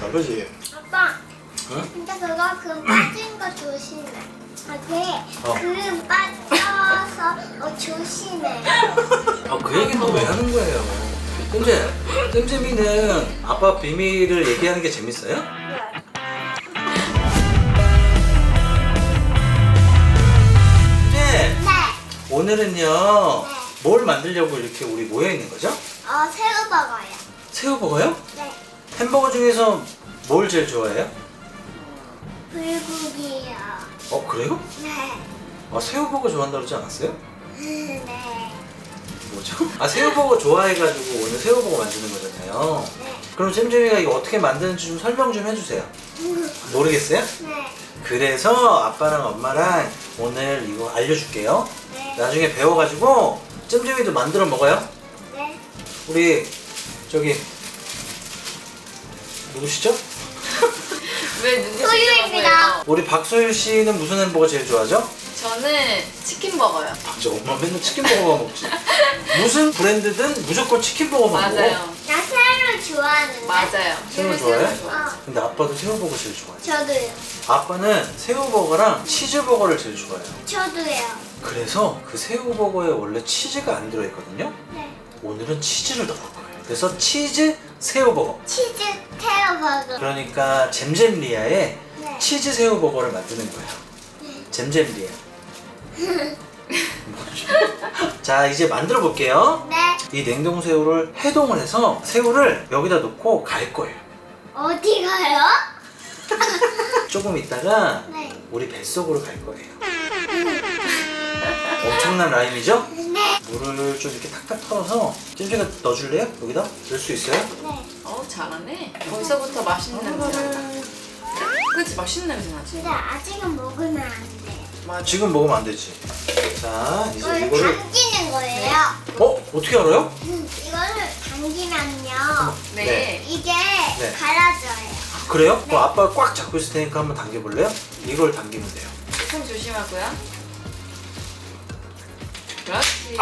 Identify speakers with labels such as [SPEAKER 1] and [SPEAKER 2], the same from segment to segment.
[SPEAKER 1] 아버지.
[SPEAKER 2] 아빠.
[SPEAKER 1] 응?
[SPEAKER 2] 근데 그거 금 빠진 거 조심해. 아, 그 금 빠져서 조심해.
[SPEAKER 1] 그 얘기 너 왜 하는 거예요? 잼잼이는 아빠 비밀을 얘기하는 게 재밌어요? 잼!
[SPEAKER 2] 네.
[SPEAKER 1] 오늘은요 뭘 만들려고 이렇게 우리 모여 있는 거죠?
[SPEAKER 2] 새우버거요.
[SPEAKER 1] 새우버거요?
[SPEAKER 2] 네.
[SPEAKER 1] 햄버거 중에서 뭘 제일 좋아해요?
[SPEAKER 2] 불고기요.
[SPEAKER 1] 그래요?
[SPEAKER 2] 네.
[SPEAKER 1] 새우버거 좋아한다고 그러지 않았어요?
[SPEAKER 2] 네.
[SPEAKER 1] 뭐죠? 새우버거 좋아해가지고 오늘 새우버거 만드는 거잖아요.
[SPEAKER 2] 네.
[SPEAKER 1] 그럼 잼잼이가 이거 어떻게 만드는지 좀 설명 좀 해주세요. 모르겠어요?
[SPEAKER 2] 네.
[SPEAKER 1] 그래서 아빠랑 엄마랑 오늘 이거 알려줄게요.
[SPEAKER 2] 네.
[SPEAKER 1] 나중에 배워가지고 잼잼이도 만들어 먹어요.
[SPEAKER 2] 네.
[SPEAKER 1] 우리 저기 누구시죠?
[SPEAKER 3] 왜 눈치
[SPEAKER 2] 소유입니다.
[SPEAKER 1] 우리 박소율 씨는 무슨 햄버거 제일 좋아하죠?
[SPEAKER 3] 저는 치킨 버거요.
[SPEAKER 1] 저 엄마 맨날 치킨버거만 먹지. 무슨 브랜드든 무조건 치킨버거만 먹어.
[SPEAKER 3] 맞아요.
[SPEAKER 2] 나 새우를 좋아하는데.
[SPEAKER 3] 맞아요.
[SPEAKER 1] 새우 좋아해?
[SPEAKER 2] 어.
[SPEAKER 1] 근데 아빠도 새우버거 제일 좋아해.
[SPEAKER 2] 저도요.
[SPEAKER 1] 아빠는 새우버거랑 치즈버거를 제일 좋아해요.
[SPEAKER 2] 저도요.
[SPEAKER 1] 그래서 그 새우버거에 원래 치즈가 안 들어있거든요.
[SPEAKER 2] 네.
[SPEAKER 1] 오늘은 치즈를 넣을 거예요. 그래서 치즈 새우버거.
[SPEAKER 2] 치즈 새우버거.
[SPEAKER 1] 그러니까 잼잼리아의
[SPEAKER 2] 네.
[SPEAKER 1] 치즈 새우버거를 만드는 거예요. 잼잼리아. 자, 이제 만들어 볼게요.
[SPEAKER 2] 네.
[SPEAKER 1] 이 냉동새우를 해동을 해서 새우를 여기다 놓고 갈 거예요.
[SPEAKER 2] 어디 가요?
[SPEAKER 1] 조금 있다가
[SPEAKER 2] 네.
[SPEAKER 1] 우리 뱃속으로 갈 거예요. 엄청난 라임이죠?
[SPEAKER 2] 네.
[SPEAKER 1] 물을 좀 이렇게 탁탁 털어서 잼잼이가 넣어줄래요? 여기다? 넣을 수 있어요?
[SPEAKER 2] 네.
[SPEAKER 3] 잘하네. 벌써부터 맛있는 냄새 난다. 그치? 맛있는 냄새 나지?
[SPEAKER 2] 근데 아직은 먹으면 안 돼.
[SPEAKER 3] 맞아.
[SPEAKER 1] 지금 먹으면 안 되지. 자, 이제
[SPEAKER 2] 이걸
[SPEAKER 1] 이거를
[SPEAKER 2] 당기는 거예요.
[SPEAKER 1] 어떻게 알아요?
[SPEAKER 2] 이거를 당기면요.
[SPEAKER 3] 네.
[SPEAKER 2] 이게
[SPEAKER 1] 네.
[SPEAKER 2] 갈아져요.
[SPEAKER 1] 그래요? 그럼 아빠가 꽉 잡고 있을 테니까 한번 당겨볼래요? 이걸 당기면 돼요.
[SPEAKER 3] 손 조심하고요. 그렇지.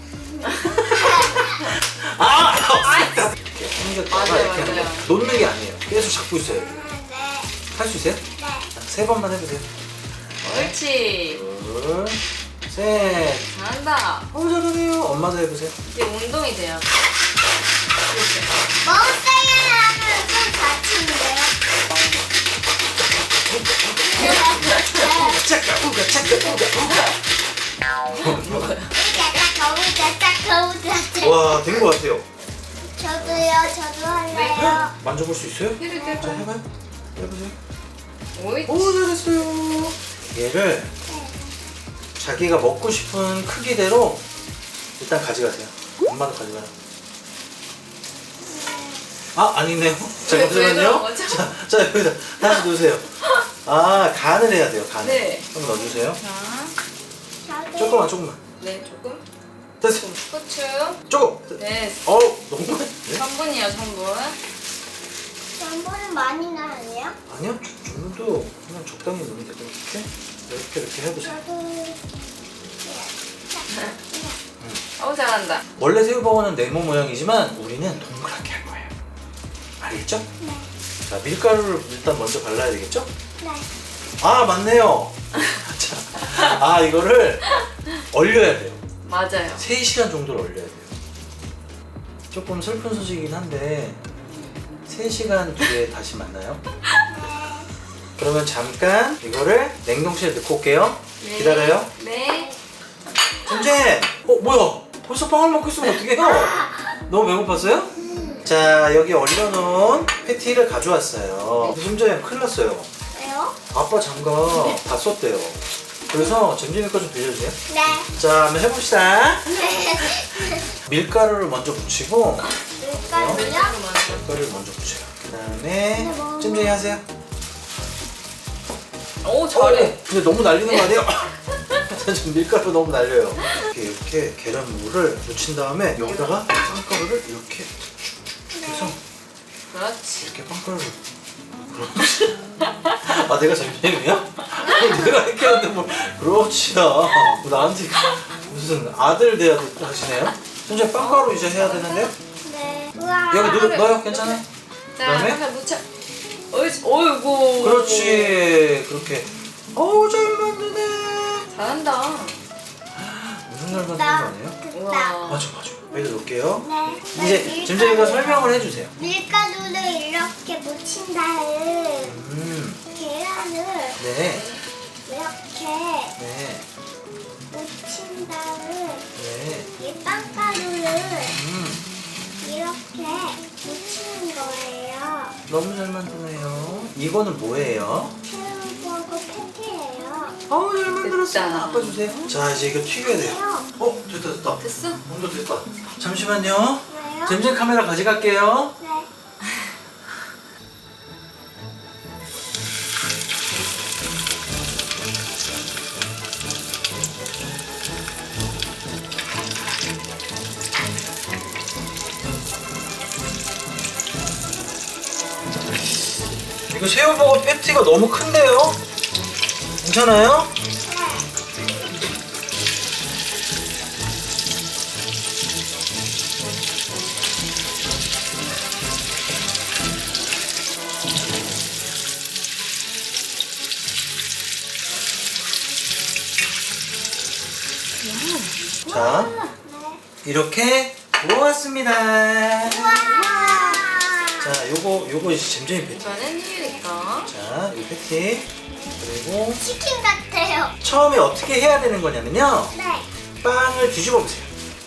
[SPEAKER 1] 이렇게 당겼다가
[SPEAKER 3] 맞아요,
[SPEAKER 1] 이렇게 하는
[SPEAKER 3] 맞아요.
[SPEAKER 1] 거예요. 놓는 게 아니에요. 계속 잡고 있어요.
[SPEAKER 2] 네.
[SPEAKER 1] 할 수 있어요?
[SPEAKER 2] 네.
[SPEAKER 1] 자, 3번만 해보세요.
[SPEAKER 3] 옳지.
[SPEAKER 1] 둘, 셋.
[SPEAKER 3] 잘한다.
[SPEAKER 1] 잘하네요. 엄마도 해보세요.
[SPEAKER 3] 이제 운동이 돼요.
[SPEAKER 2] 먹었어요 하면 좀 다치는데요.
[SPEAKER 1] 차까 우가 차까 우가 우가. 와, 된 것 같아요.
[SPEAKER 2] 저도요. 저도 할래요.
[SPEAKER 1] 만져볼 수 있어요?
[SPEAKER 3] 해도
[SPEAKER 1] 자,
[SPEAKER 3] 돼요.
[SPEAKER 1] 해봐요. 해보세요.
[SPEAKER 3] 옳지.
[SPEAKER 1] 잘했어요. 얘를 자기가 먹고 싶은 크기대로 일단 가져가세요. 엄마도 가져가요. 아니네요. 자,
[SPEAKER 3] 왜
[SPEAKER 1] 잠시만요.
[SPEAKER 3] 그런 거죠?
[SPEAKER 1] 자, 여기다 다시 놓으세요. 간을 해야 돼요. 간을.
[SPEAKER 3] 네.
[SPEAKER 1] 한번 넣어주세요.
[SPEAKER 3] 자,
[SPEAKER 1] 조금만.
[SPEAKER 3] 네, 조금.
[SPEAKER 1] 됐어.
[SPEAKER 3] 후추.
[SPEAKER 1] 조금.
[SPEAKER 3] 네.
[SPEAKER 1] 너무 많이. 네?
[SPEAKER 3] 3분이요, 3분.
[SPEAKER 2] 전분은 많이 나요?
[SPEAKER 1] 아니요, 정도 그냥 적당히 넣으면 되고 이렇게 해보세요.
[SPEAKER 2] 저도
[SPEAKER 3] 잘한다.
[SPEAKER 1] 원래 새우버거는 네모 모양이지만 우리는 동그랗게 할 거예요. 알겠죠?
[SPEAKER 2] 네.
[SPEAKER 1] 자, 밀가루를 일단 먼저 발라야 되겠죠?
[SPEAKER 2] 네.
[SPEAKER 1] 맞네요. 자, 이거를 얼려야 돼요.
[SPEAKER 3] 맞아요.
[SPEAKER 1] 3시간 정도를 얼려야 돼요. 조금 슬픈 소식이긴 한데 3시간 뒤에 다시 만나요. 그러면 잠깐 이거를 냉동실에 넣고 올게요.
[SPEAKER 3] 네.
[SPEAKER 1] 기다려요.
[SPEAKER 3] 네.
[SPEAKER 1] 잼잼! 뭐야? 벌써 빵을 먹고 있으면 어떡해요? 너무 배고팠어요? 자, 여기 얼려놓은 패티를 가져왔어요. 잼잼 큰일 났어요.
[SPEAKER 2] 왜요?
[SPEAKER 1] 아빠 장갑 다 썼대요. 그래서 잼잼이 거 좀 빌려주세요.
[SPEAKER 2] 네.
[SPEAKER 1] 자, 한번 해봅시다.
[SPEAKER 2] 네.
[SPEAKER 1] 밀가루를 먼저 묻히고
[SPEAKER 2] 밀가루요?
[SPEAKER 1] 밀가루를 먼저 묻혀요. 그 다음에 잼잼이 하세요.
[SPEAKER 3] 오, 잘해.
[SPEAKER 1] 근데 너무 날리는 거 아니에요? 지금 밀가루 너무 날려요. 이렇게 계란물을 묻힌 다음에 여기다가 빵가루를 이렇게 해서
[SPEAKER 3] 그렇지.
[SPEAKER 1] 이렇게 빵가루를 그렇지. 내가 잼잼이야? 내가 이렇게 하는데 뭐 그렇지야. 나한테 무슨 아들 대하듯 하시네요? 잼잼 빵가루 이제 해야 되는데요?
[SPEAKER 2] 네. 우와.
[SPEAKER 1] 여기 넣어요? 괜찮아요?
[SPEAKER 3] 자,
[SPEAKER 1] 그다음에?
[SPEAKER 3] 한번 묻혀. 어이구.
[SPEAKER 1] 그렇지. 그렇게. 어우, 잘 만드네.
[SPEAKER 3] 잘한다.
[SPEAKER 1] 엄청 잘 만드는 거 아니에요?
[SPEAKER 2] 됐다.
[SPEAKER 3] 우와.
[SPEAKER 1] 맞아. 여기다 놓을게요.
[SPEAKER 2] 네.
[SPEAKER 1] 이제 점점이가 설명을 해주세요.
[SPEAKER 2] 밀가루를 이렇게 묻힌 다음 계란을
[SPEAKER 1] 네.
[SPEAKER 2] 이렇게
[SPEAKER 1] 네.
[SPEAKER 2] 묻힌 다음
[SPEAKER 1] 네.
[SPEAKER 2] 이 빵가루를
[SPEAKER 1] 음.
[SPEAKER 2] 이렇게 묻히는 거예요.
[SPEAKER 1] 너무 잘 만드네요. 이거는 뭐예요?
[SPEAKER 2] 새우버거 패티예요.
[SPEAKER 1] 어우, 잘 만들었어요.
[SPEAKER 3] 됐다.
[SPEAKER 1] 아빠 주세요. 자, 이제 이거 튀겨야 돼요. 됐다.
[SPEAKER 3] 됐어?
[SPEAKER 1] 온도 됐다. 잠시만요.
[SPEAKER 2] 왜요?
[SPEAKER 1] 잼잼 카메라 가져갈게요.
[SPEAKER 2] 네.
[SPEAKER 1] 이거 새우버거 패티가 너무 큰데요? 괜찮아요? 자, 이렇게 모았습니다. 자, 요거 이제 잼잼이 패티.
[SPEAKER 3] 이거는 튀기니까.
[SPEAKER 1] 자, 이 패티. 그리고
[SPEAKER 2] 치킨 같아요.
[SPEAKER 1] 처음에 어떻게 해야 되는 거냐면요.
[SPEAKER 2] 네.
[SPEAKER 1] 빵을 뒤집어 보세요.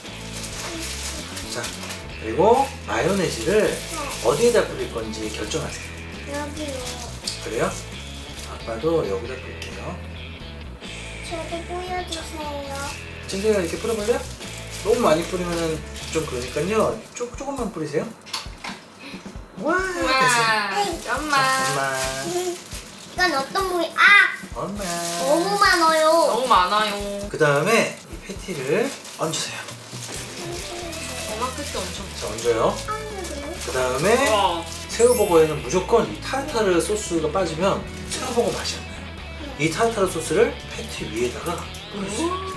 [SPEAKER 1] 자, 그리고 마요네즈를 어디에다 뿌릴 건지 결정하세요.
[SPEAKER 2] 여기요.
[SPEAKER 1] 그래요? 아빠도 여기다 뿌릴게요.
[SPEAKER 2] 저도 보여주세요.
[SPEAKER 1] 잼잼이가 이렇게 뿌려볼래요? 너무 많이 뿌리면은 좀 그러니까요. 조금만 뿌리세요. 와, 됐어요.
[SPEAKER 3] 우와.
[SPEAKER 1] 자,
[SPEAKER 3] 엄마.
[SPEAKER 1] 엄마.
[SPEAKER 2] 이건 어떤 부위?
[SPEAKER 1] 엄마.
[SPEAKER 2] 너무 많아요.
[SPEAKER 3] 너무 많아요.
[SPEAKER 1] 그 다음에 이 패티를 얹으세요.
[SPEAKER 3] 엄마 끝도 엄청.
[SPEAKER 1] 자, 얹어요.
[SPEAKER 2] 하늘을.
[SPEAKER 1] 그 다음에
[SPEAKER 3] 우와.
[SPEAKER 1] 새우버거에는 무조건 이 타르타르 소스가 빠지면 새우버거 맛이 안 나요. 이 타르타르 소스를 패티 위에다가 뿌려주세요.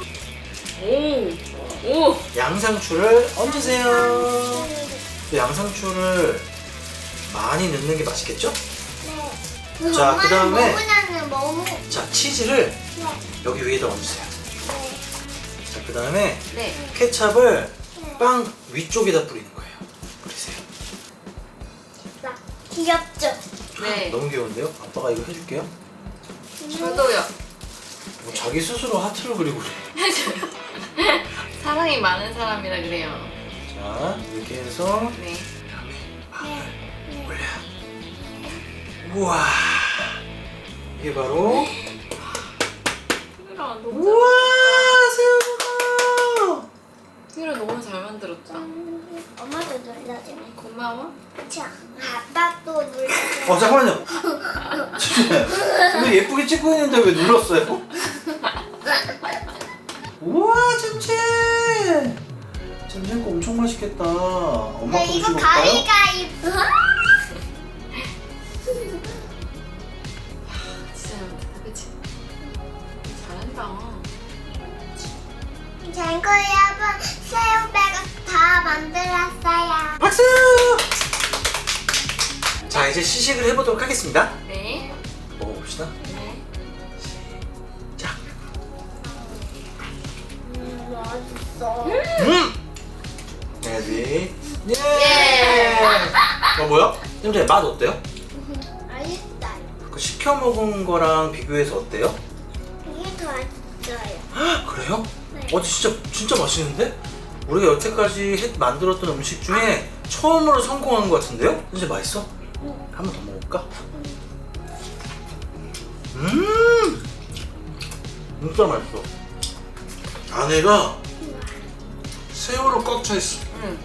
[SPEAKER 3] 오.
[SPEAKER 1] 양상추를 얹으세요. 또 양상추를 많이 넣는 게 맛있겠죠?
[SPEAKER 2] 네.
[SPEAKER 1] 자,
[SPEAKER 2] 엄마는
[SPEAKER 1] 그다음에
[SPEAKER 2] 너무나는 너무.
[SPEAKER 1] 자, 치즈를
[SPEAKER 2] 네.
[SPEAKER 1] 여기 위에다 얹으세요.
[SPEAKER 2] 네.
[SPEAKER 1] 자, 그 다음에
[SPEAKER 3] 네.
[SPEAKER 1] 케찹을 빵 위쪽에다 뿌리는 거예요. 뿌리세요.
[SPEAKER 2] 나 귀엽죠?
[SPEAKER 3] 네.
[SPEAKER 1] 너무 귀여운데요? 아빠가 이거 해줄게요.
[SPEAKER 3] 저도요.
[SPEAKER 1] 뭐 자기 스스로 하트를 그리고 그래.
[SPEAKER 3] 사랑이 많은 사람이라 그래요.
[SPEAKER 1] 자, 이렇게 해서
[SPEAKER 3] 네.
[SPEAKER 1] 올려. 우와. 이게 바로
[SPEAKER 3] 희라 너무
[SPEAKER 1] 우와, 새우버거.
[SPEAKER 3] 희라 너무 잘 만들었다.
[SPEAKER 2] 엄마도 눌러주네.
[SPEAKER 3] 고마워.
[SPEAKER 2] 자, 아빠도 눌러줘.
[SPEAKER 1] 잠깐만요. 이거 예쁘게 찍고 있는데 왜 눌렀어요? 우와, 잼잼. 잼잼 거 엄청 맛있겠다. 엄마
[SPEAKER 2] 네,
[SPEAKER 1] 거
[SPEAKER 2] 이거
[SPEAKER 1] 드셔볼까요?
[SPEAKER 2] 가위가위보.
[SPEAKER 3] 진짜 잘한다. 그치? 잘한다.
[SPEAKER 2] 쟁구 여러분, 새우배가 다 만들었어요.
[SPEAKER 1] 박수! 자, 이제 시식을 해보도록 하겠습니다.
[SPEAKER 3] 네.
[SPEAKER 1] 먹어봅시다.
[SPEAKER 3] 네.
[SPEAKER 1] 자,
[SPEAKER 2] 맛있어.
[SPEAKER 1] 레디. 예! 뭐야? 잼잼 맛 어때요?
[SPEAKER 2] 맛있어요.
[SPEAKER 1] 그 시켜 먹은 거랑 비교해서 어때요?
[SPEAKER 2] 이게 더 맛있어요.
[SPEAKER 1] 헉, 그래요?
[SPEAKER 2] 네.
[SPEAKER 1] 진짜 맛있는데? 우리가 여태까지 만들었던 음식 중에 처음으로 성공한 것 같은데요? 진짜 맛있어? 한 번 더 먹을까? 진짜 맛있어. 안에가 새우로 꽉 차 있어.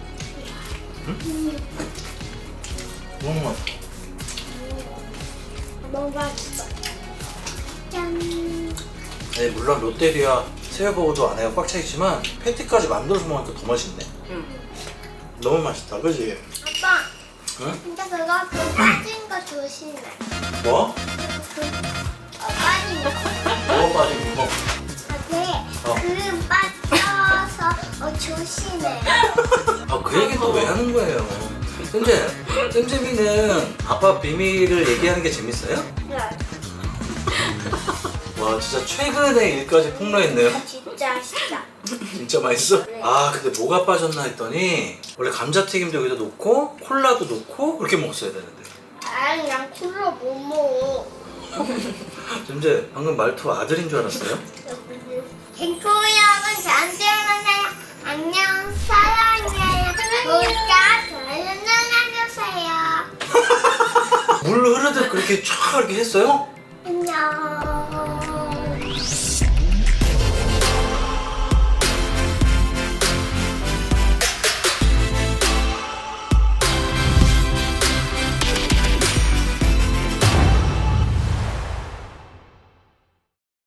[SPEAKER 3] 응.
[SPEAKER 1] 너무 맛있어.
[SPEAKER 2] 너무 맛있어. 짠.
[SPEAKER 1] 네, 물론 롯데리아 새우버거도 안에가 꽉 차 있지만 패티까지 만들어서 먹으니까 더 맛있네.
[SPEAKER 3] 응.
[SPEAKER 1] 너무 맛있다, 그지?
[SPEAKER 2] 아빠,
[SPEAKER 1] 응?
[SPEAKER 2] 근데 그거 그 빠진 거 조심해.
[SPEAKER 1] 뭐?
[SPEAKER 2] 빠진 거.
[SPEAKER 1] 뭐가 빠진 거?
[SPEAKER 2] 그 빠져서 조심해.
[SPEAKER 1] 그 얘기 또 왜 하는 거예요? 쌤쌤이는 아빠 비밀을 얘기하는 게 재밌어요?
[SPEAKER 2] 네.
[SPEAKER 1] 와 진짜 최근에 일까지 폭로했네요.
[SPEAKER 2] 진짜.
[SPEAKER 1] 진짜 맛있어?
[SPEAKER 2] 네.
[SPEAKER 1] 아 근데 뭐가 빠졌나 했더니 원래 감자튀김도 여기다 놓고 콜라도 놓고 그렇게 먹었어야 되는데.
[SPEAKER 2] 아니, 난 콜라 못 먹어.
[SPEAKER 1] 쌤쌤 방금 말투 아들인 줄 알았어요?
[SPEAKER 2] 댕코 여러분, 저한테 만나요. 안녕, 사랑해요. 구독과 좋아요 눌러주세요.
[SPEAKER 1] 물 흐르듯 그렇게 쫙 이렇게 했어요?